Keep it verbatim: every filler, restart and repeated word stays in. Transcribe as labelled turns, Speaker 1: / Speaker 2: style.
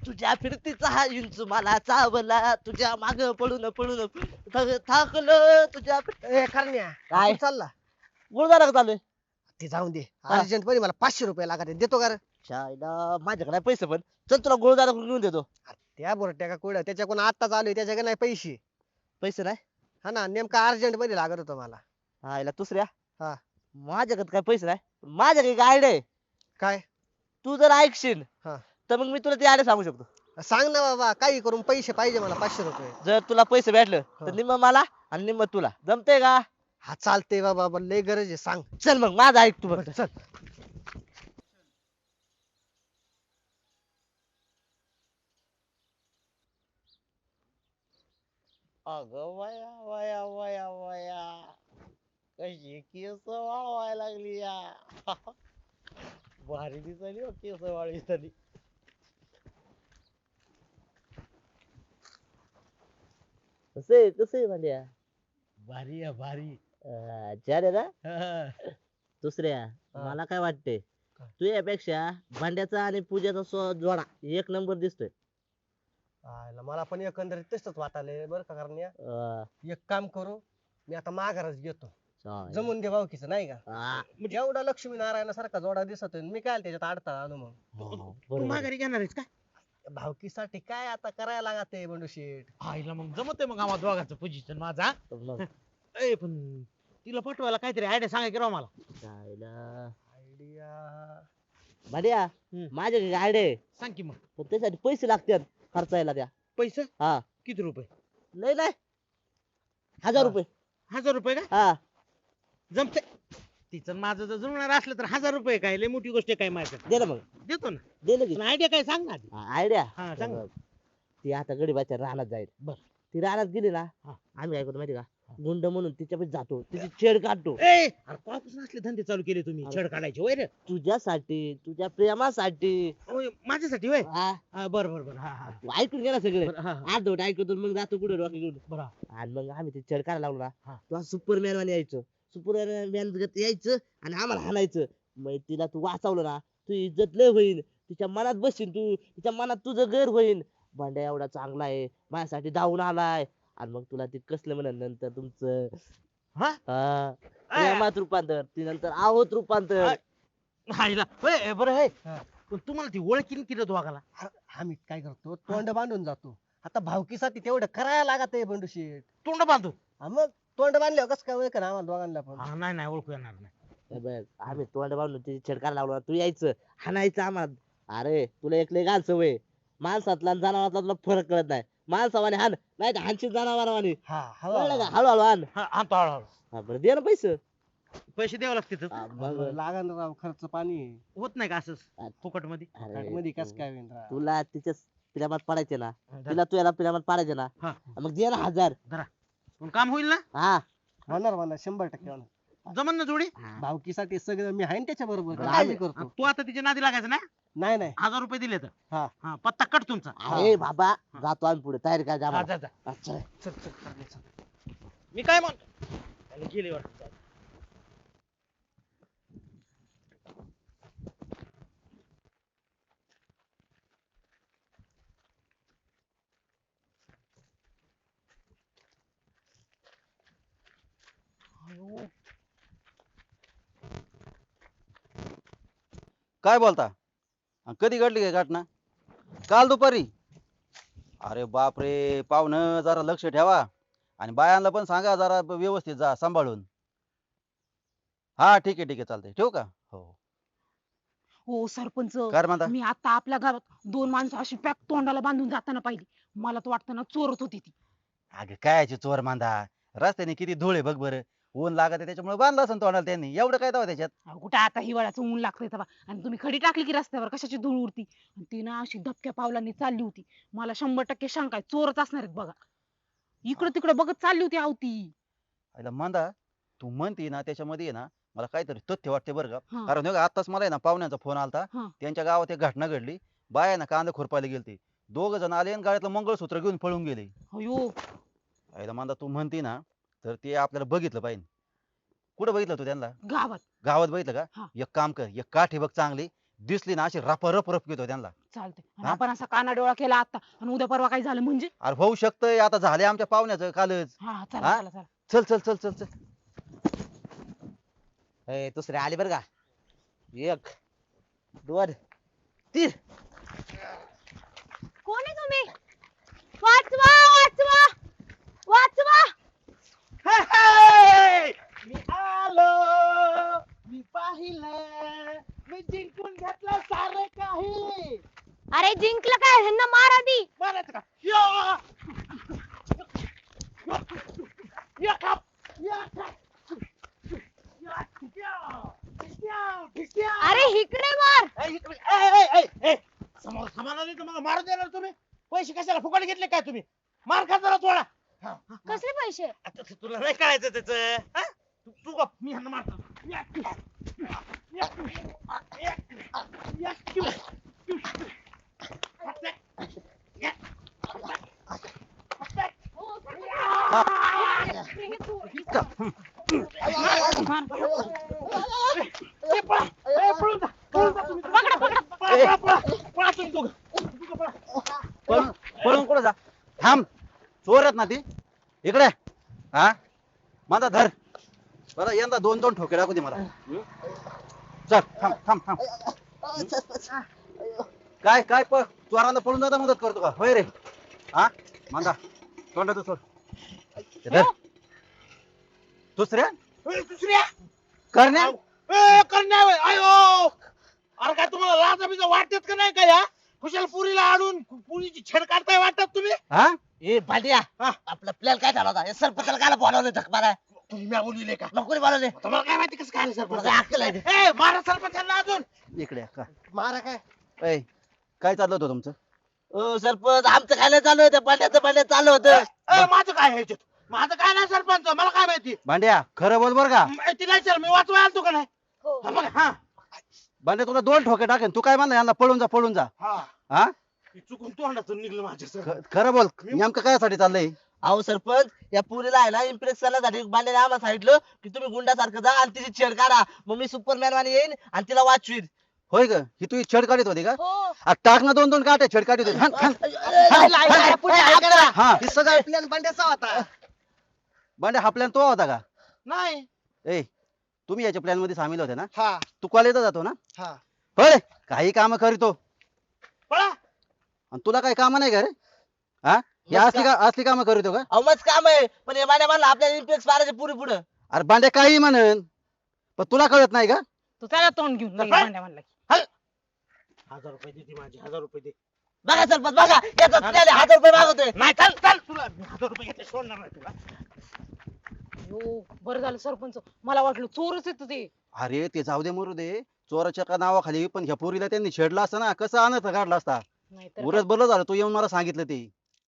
Speaker 1: तुझ्या फिरतीचा हा इंचू मला चावला तुझ्या माग पळून पळून थक- थकलो तुझ्या फिर-
Speaker 2: ए करण्या
Speaker 1: काय?
Speaker 2: आपण चालला
Speaker 1: गुरुद्वारा का चालू
Speaker 2: ते जाऊन दे
Speaker 1: हा.
Speaker 2: अर्जंट मध्ये मला पाचशे रुपये लागत आहेत. देतो का रे?
Speaker 1: शायला माझ्याकडे नाही पैसे पण चल तुला गुरुद्वारा घेऊन देतो.
Speaker 2: त्या बोरट्या का कोड्या त्याच्याकडून आत्ताच आलोय त्याच्याकडे नाही पैसे.
Speaker 1: पैसे नाही
Speaker 2: हा ना नेमका अर्जंट मध्ये लागत होतं मला.
Speaker 1: हा याला दुसऱ्या
Speaker 2: हा
Speaker 1: माझ्याकडे काय पैसे नाही माझ्याकडे एक आयडिया आहे.
Speaker 2: काय?
Speaker 1: तू जर ऐकशील
Speaker 2: हा
Speaker 1: तर मग मी तुला ती आयडिया सांगू शकतो.
Speaker 2: सांग ना बाबा काही करून पैसे पाहिजे मला पाचशे रुपये.
Speaker 1: जर तुला पैसे भेटलं
Speaker 2: हा.
Speaker 1: तर निम्म मला आणि निम्म तुला जमते का?
Speaker 2: हा चालते बाबा पण लय गरज आहे सांग.
Speaker 1: चल मग माझा ऐक तू बघ.
Speaker 2: बरं, चल.
Speaker 1: अगं वया वया वया वया कशी केस वाळवायला लागली या भारी दिसली हो केस वाळी झाली. कसे कसे म्हणजे
Speaker 3: भारी आहे भारी.
Speaker 1: चार आहे ना दुसऱ्या मला काय वाटते
Speaker 2: काय?
Speaker 1: तू यापेक्षा भांड्याचा आणि पूजेचा सो- जोडा एक नंबर दिसतोय.
Speaker 2: आयला मला पण एकंदरीत तसंच वाटायलंय बरं का करण्या.
Speaker 1: अं,
Speaker 2: एक काम करू मी आता माघारच घेतो.
Speaker 1: चालेल.
Speaker 2: जमून दे भाऊकीचं नाही का.
Speaker 1: हा,
Speaker 2: म्हणजे एवढा लक्ष्मी नारायणासारखा जोडा दिसतोय मी काय त्याच्यात अडथळा आणू मग.
Speaker 1: हो,
Speaker 3: तू
Speaker 1: बरोबर आहे.
Speaker 3: माघारी घेणार आहेस का?
Speaker 2: भावकीसाठी काय आता करायला लागते बंडू शेठ.
Speaker 3: आईला मग जमत मग आम्हा दोघांचं पोझिशन माझा.
Speaker 1: मग
Speaker 3: ए पण तिला पटवायला काहीतरी आयडिया सांगा की राव मला.
Speaker 1: जायला.
Speaker 2: आयडिया
Speaker 1: भांड्या
Speaker 3: हम्म.
Speaker 1: माझ्याकडे आयडिया आहे
Speaker 3: सांग की मग.
Speaker 1: पण त्यासाठी पैसे लागतात खर्चायला त्या.
Speaker 3: पैसे
Speaker 1: हा
Speaker 3: किती रुपये?
Speaker 1: नाही नाही हजार
Speaker 2: हा.
Speaker 1: रुपये.
Speaker 3: हजार रुपये का?
Speaker 1: हा
Speaker 3: जमते. तिचं आणि माझं जर जुळणार असलं तर हजार रुपये काय लय मोठी गोष्ट आहे काय माझ्यासाठी.
Speaker 1: दे ना मग
Speaker 3: देतो ना.
Speaker 1: दे ना की.
Speaker 3: पण आयडिया काय सांग ना आधी.
Speaker 1: आयडिया
Speaker 3: हा, सांग ना.
Speaker 1: ती आता गडीबाच्या रानात जाईल.
Speaker 3: बर.
Speaker 1: ती रानात गेली ना
Speaker 3: हा.
Speaker 1: आम्ही काय करतो माहिती का गुंड म्हणून तिच्यापाशी जातो तिची छेड काढतो.
Speaker 3: ए अरे कॉपसून असले धंदे चालू केले तुम्ही
Speaker 1: अरे.
Speaker 3: छेड काढायचे होय रे.
Speaker 1: तुझ्यासाठी तुझ्या प्रेमासाठी.
Speaker 3: होय, माझ्यासाठी होय.
Speaker 1: हा
Speaker 3: हा, बरं बरं बरं. हा हा
Speaker 1: तू ऐकून गेला सगळे
Speaker 3: बरं, हा, हा.
Speaker 1: अर्धवट ऐकतो मग जातो कुठे डोके घेऊन.
Speaker 3: बरं.
Speaker 1: आणि मग आम्ही ते छेड काढायला लागलो
Speaker 3: हा.
Speaker 1: ना तू सुपरमॅन वाणी यायचं सुपरमॅन यायचं आणि आम्हाला हाणायचं. मग तिला तू वाचवलं ना तू इज्जत लय होईल तिच्या मनात बसशील तू तिच्या मनात तुझं घर होईल. भांड्या एवढा चांगला आहे माझ्यासाठी धावून आलाय आणि मग तुला ते कसलं म्हणत नंतर तुमचं
Speaker 3: हा?
Speaker 1: हा, प्रेमात रूपांतर ती नंतर आहोत रूपांतर.
Speaker 3: आ- आईला होय बरं आहे.
Speaker 2: हा.
Speaker 3: पण तुम्हाला ती ओळखीन केलं दोघाला.
Speaker 2: हा- आम्ही काय करतो तोंड बांधून जातो. आता भावकीसाठी तेवढं करायला लागत आहे बंडू शेठ.
Speaker 3: तोंड बांधून.
Speaker 2: हा मग तोंड बांधल्यावर कसं काय ओळख ना आम्हाला दोघांना पण.
Speaker 3: हा, नाही नाही ओळखू येणार नाही.
Speaker 1: हे बघ, आम्ही तोंड बांधून तिची छेड काढायला लागलो ना, तू यायचं हाणायचं आम्हाला. अरे तुला एक लय घाल सवय माणसातला आणि जनावरातला तुला फरक कळत नाही. माणसावाने हान नाही तर हानशील जनावरांवानी.
Speaker 2: हा
Speaker 1: कळलं का
Speaker 2: हवा
Speaker 1: हळूहळू हान.
Speaker 3: हा, आणतो हळूहळू.
Speaker 1: हा, बरं दे ना पैसे.
Speaker 3: पैसे द्यावे लागतील.
Speaker 1: हा, मग
Speaker 2: लागण राव खर्च पाणी.
Speaker 3: होत नाही का असंच फुकट मध्ये?
Speaker 1: अरे,
Speaker 2: मध्ये कस
Speaker 1: तू-
Speaker 2: काय होईन राव.
Speaker 1: तुला तिच्या प्रेमात पडायचे ना तिला तू याला प्रेमात पडायचे ना
Speaker 3: हा.
Speaker 1: मग दे ना हजार.
Speaker 3: पण काम होईल ना?
Speaker 1: हा
Speaker 2: होणार होणार शंभर टक्के होणार.
Speaker 3: जमन ना जोडी?
Speaker 1: हा.
Speaker 2: भावकीसाठी सगळं मी आहे ना त्याच्या बरोबर
Speaker 1: बरं,
Speaker 2: काळजी
Speaker 1: आहे.
Speaker 2: करतो.
Speaker 3: तू आता तिच्या नादी लागायचं ना?
Speaker 2: नाही नाही
Speaker 3: हजार रुपये दिले तर
Speaker 2: हा.
Speaker 3: हा पत्ता कट तुमचा.
Speaker 1: अरे बाबा जातो आम्ही पुढे तयारी काय
Speaker 3: हा,
Speaker 1: जा
Speaker 3: जा, जा.
Speaker 1: अच्छा
Speaker 2: चल चल चल, चल.
Speaker 3: मी काय म्हणतो त्याला गेली वाटतं.
Speaker 4: काय बोलता अन कधी घडली काय घटना? काल दुपारी? अरे बाप रे पाहुणं जरा लक्ष ठेवा आणि बायांना पण सांगा जरा व्यवस्थित जा सांभाळून. हा ठीक आहे ठीक आहे चालतंय ठेवू का? हो
Speaker 5: हो सरपंच
Speaker 4: काय रे म्हणता?
Speaker 5: मी आता आपल्या घरात दोन माणसं अशी पॅक तोंडाला बांधून जाताना पाहिली. मला तर वाटतं ना चोरत होती ती.
Speaker 4: अगं कायची चोर मांदा रस्त्याने किती धूळ आहे बघ बरं. ऊन लागत आहे त्याच्यामुळे बांधलं असं तोंडाला त्यांनी एवढं काय तेव्हा त्याच्यात.
Speaker 5: अहो, कुठं आता हिवाळ्याचं ऊन लागतंय तेव्हा आणि तुम्ही खडी टाकली की रस्त्यावर कशाची धूळ उडती. आणि ती ना अशी धपक्या पावलांनी चालली होती. मला शंभर टक्के शंका आहे चोरच असणार आहेत बघा. इकडे तिकडे बघत चालली होती आवती.
Speaker 4: आईला मांदा तू म्हणती ना त्याच्यामध्ये आहे ना मला काहीतरी तथ्य वाटते बरं का.
Speaker 5: हा.
Speaker 4: कारण हे बघ, आत्ताच मला आहे ना पाहुण्यांचा फोन आलता.
Speaker 5: हा.
Speaker 4: त्यांच्या गावात एक घटना घडली. बाया ना कांदा खुरपायला गेलती. दोघ जण आले आणि गाड्यातलं मंगळसूत्र घेऊन पळून गेले.
Speaker 5: अयो
Speaker 4: आईला मांदा तू म्हणती ना तर ते आपल्याला बघितलं पाहिजे. कुठं बघितलं तू त्यांना?
Speaker 5: गावात.
Speaker 4: गावात बघितलं
Speaker 5: हा.
Speaker 4: का? एक काम कर एक काठी बघ चांगली दिसली ना अशी रप रप रप घेतो त्यांना.
Speaker 5: चालतंय आणि
Speaker 4: हा?
Speaker 5: आपण असा कानाडोळा केला आता आणि उद्या परवा काय झालं म्हणजे
Speaker 4: अरे होऊ शकतंय, आता झाले आमच्या पाहुण्याचं कालच.
Speaker 5: हा चला
Speaker 4: हा?
Speaker 5: चला चला
Speaker 4: चल चल चल चल चल.
Speaker 1: ए, दुसरे आले बरं का. एक दोन तीन.
Speaker 5: कोण आहे तुम्ही वाचवा वाचवा वाचवा
Speaker 3: मी आलो, मी पाहिलं, मी जिंकून घेतलं सारं काही.
Speaker 5: अरे जिंकलं काय ह्यांना मारा दी
Speaker 3: मारायचं का? या! या काप! या काप! या! या! या! या!
Speaker 5: अरे इकडे मार
Speaker 3: ए, इकडे- ए, ए, ए, ए! समोर समाना नाही तर मला मारून देणार तुम्ही. पैसे कशाला फुकट घेतले काय तुम्ही? मार खा जरा थोडा. हा, हा.
Speaker 5: कसले पैसे
Speaker 3: आता ते तुला नाही कळायचं त्याच तू तू गप, मी ह्यांना मारतो. या! या! या! या! या! ए, पळा! ए, पळून जा! पळून जा तुम्ही. पळा, पळा, पळा, पळा तुम्ही दोघं. दोघं पळा.
Speaker 4: पळून पळून कुठं जा? थांब, चोर आहेत ना ती. इकडे हा, माझा धर. बरं यंदा दोन दोन ठोके टाकू दे मला. हम्म? चल थांब थांब थांब. काय काय प चोरांना पळून जाता मदत करतो का होय रे? हा मांदा तोंडाचं सोड. ते धर. दुसऱ्या
Speaker 3: ए, दुसऱ्या
Speaker 4: करण्या
Speaker 3: ए, करण्या होय. आयो अरे काय तुम्हाला लाजा बिजा वाटत का नाही का या कुशाल पुरीला आणून पुरीची छेड काढताय वाटत तुम्ही?
Speaker 4: हा
Speaker 1: ए भांड्या,
Speaker 3: हा.
Speaker 1: आपला प्लॅन काय झाला होता? हे सरपंचाला कायला बोलावलं धक मारा?
Speaker 3: तुम्ही म्या बोलविले का?
Speaker 1: नको बोलावले.
Speaker 3: तुम्हाला काय माहिती कसं काय
Speaker 1: तुला
Speaker 3: सर
Speaker 1: काय अक्कल आहे?
Speaker 3: ए मारा सरपंचांना अजून.
Speaker 4: इकडे का
Speaker 2: मारा काय
Speaker 4: ऐ, काय चाललं होतं तुमचं?
Speaker 1: ओ सरपंच, आमचं काय नाही चालू होतं, पाण्याचं पाण्यात चालू होतं.
Speaker 3: ए, माझं काय आहे ह्याच्यात? माझं काय नाही सरपंच, मला काय माहिती?
Speaker 4: भांड्या खरं बोल बर का.
Speaker 3: ए, ती नाही सर, मी वाचवाय आलतो का नाही? हा, बघा, हा
Speaker 4: भांड्या तुला दोन ठोके टाकेन. तू काय म्हणला यांना पळून जा पळून जा.
Speaker 3: हा
Speaker 4: हा
Speaker 3: ती चुकून तोंडातून निघलं माझ्या सर.
Speaker 4: ख- खरं बोल, नेमकं कायसाठी चाललंय?
Speaker 1: अहो सरपंच, या पुरीला आहे ना इम्प्रेस करण्यासाठी बांड्याने आम्हाला सांगितलं की तुम्ही गुंडासारखं जा आणि तिची छेड काढा, मग मी सुपरमॅन वाणी येईन आणि तिला वाचवीन.
Speaker 4: होय ग, ही तू छेड काढत होती का?
Speaker 5: हो
Speaker 4: आ, टाक ना दोन दोन काटे छेड काढत होती. हाण, हाण.
Speaker 1: ऐका ना, पुढे ऐका ना.
Speaker 4: हा
Speaker 2: हे सगळा प्लॅन बंड्याचा होता.
Speaker 4: भांड्या हा प्लॅन तो होता का?
Speaker 3: नाही
Speaker 4: ए तुम्ही याच्या प्लॅन मध्ये सामील होते ना?
Speaker 2: हा
Speaker 4: तू कॉलेजला जातो ना?
Speaker 2: हा
Speaker 4: होय रे, काही काम करीतो
Speaker 3: पळा.
Speaker 4: आणि तुला काही काम नाही का रे? हा या असली का असली कामं करीतो का?
Speaker 1: अहो मस्त काम आहे, पण हे बांड्या म्हणला आपल्याला इम्प्रेस मारायचे पुरी पुढे.
Speaker 4: अरे भांड्या काही म्हणन, पण तुला कळत नाही का?
Speaker 5: तू त्याला तोंड घेऊन
Speaker 3: काय?
Speaker 5: भांड्या म्हणला की.
Speaker 3: हजार रुपये दे ती माझी, हजार रुपये दे.
Speaker 1: बघा सरपंच बघा, याचा प्लॅन हजार रुपये मागवतोय.
Speaker 3: नाही चल चल, तुला मी हजार रुपये घेतले सोडणार नाही तुला.
Speaker 5: हो बरं झालं सरपंच, मला वाटलं चोरच येत ते.
Speaker 4: अरे ते जाऊ दे मरू दे, चोराच्या का नावाखाली पण ह्या पोरीला त्यांनी छेडला असता ना, कसं आणत काढला असता.
Speaker 5: नाहीतर
Speaker 4: उरच बरं झालं तू येऊन मला सांगितलं ते.